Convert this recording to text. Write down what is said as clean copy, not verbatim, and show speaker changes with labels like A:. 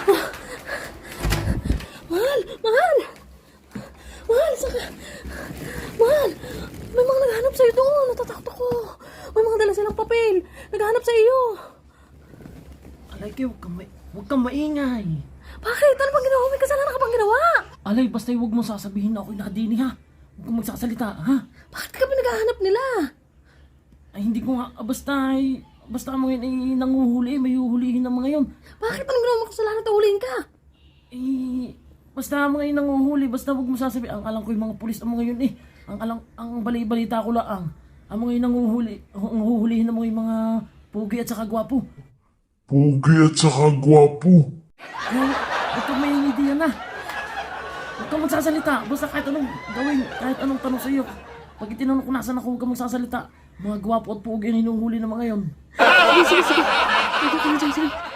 A: Mahal! Mahal! Mahal! Saka... Mahal! May mga naghahanap sa'yo doon. Natatakot ako. May mga dala silang papel. Naghahanap sa iyo.
B: Alay kayo, huwag kang maingay.
A: Bakit? Ano bang ginawa? May kasalanan ka bang ginawa?
B: Alay, basta huwag mo sasabihin na ako'y nakadini ha. Huwag kang magsasalita ha.
A: Bakit ka pinaghahanap nila?
B: Ay hindi ko nga, basta mga yun ay nanguhuli, may huhulihin ng mga yun.
A: Bakit? Anong ginawa mo kasalanan at ulihin ka?
B: Basta mga yun nanguhuli, basta huwag mo sasabihin. Ang alam ko yung mga pulis ang mga yun eh. Ang balita ko lang. Ang mga yun nanguhuli, ang huhulihin ng mga pugi at saka gwapo.
C: Pugi at saka gwapo.
B: Kaya, ito may idea na. Huwag kang magsasalita. Basta kahit anong gawin, kahit anong tanong sa iyo. Pag itinanong ko nasan ako, huwag kang magsasalita. Mga gwapo at pugi ang hinuhuli ng mga yon.
A: Sige, sige, sige. Sige, sige, sige.